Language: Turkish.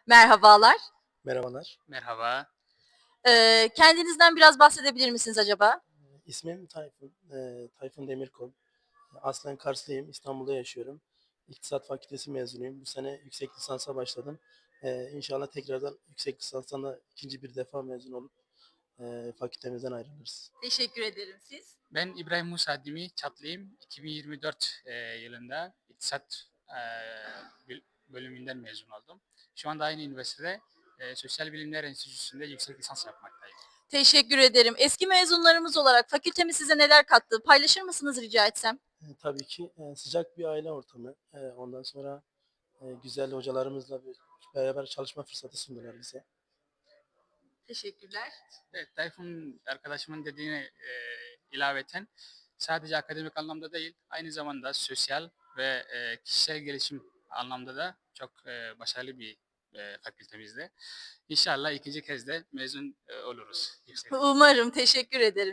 Merhabalar. Merhabalar. Merhaba. Kendinizden biraz bahsedebilir misiniz acaba? İsmim Tayfun. Tayfun Demirkol. Aslen Karslıyım. İstanbul'da yaşıyorum. İktisat Fakültesi mezunuyum. Bu sene yüksek lisansa başladım. İnşallah tekrardan yüksek lisanstan da ikinci bir defa mezun olup fakültemizden ayrılırız. Teşekkür ederim. Siz? Ben İbrahim Musa Dimi, Çatlıyım. 2024 yılında İktisat bölümünden mezun oldum. Şu anda aynı üniversitede Sosyal Bilimler Enstitüsü'nde yüksek lisans yapmaktayım. Teşekkür ederim. Eski mezunlarımız olarak fakültemiz size neler kattı? Paylaşır mısınız rica etsem? Tabii ki sıcak bir aile ortamı. Ondan sonra güzel hocalarımızla beraber çalışma fırsatı sundular bize. Teşekkürler. Evet, Tayfun arkadaşımın dediğine ilaveten sadece akademik anlamda değil, aynı zamanda sosyal ve kişisel gelişim anlamda da çok başarılı bir fakültemizde. İnşallah ikinci kez de mezun oluruz yüksek lisans. Umarım. Teşekkür ederim.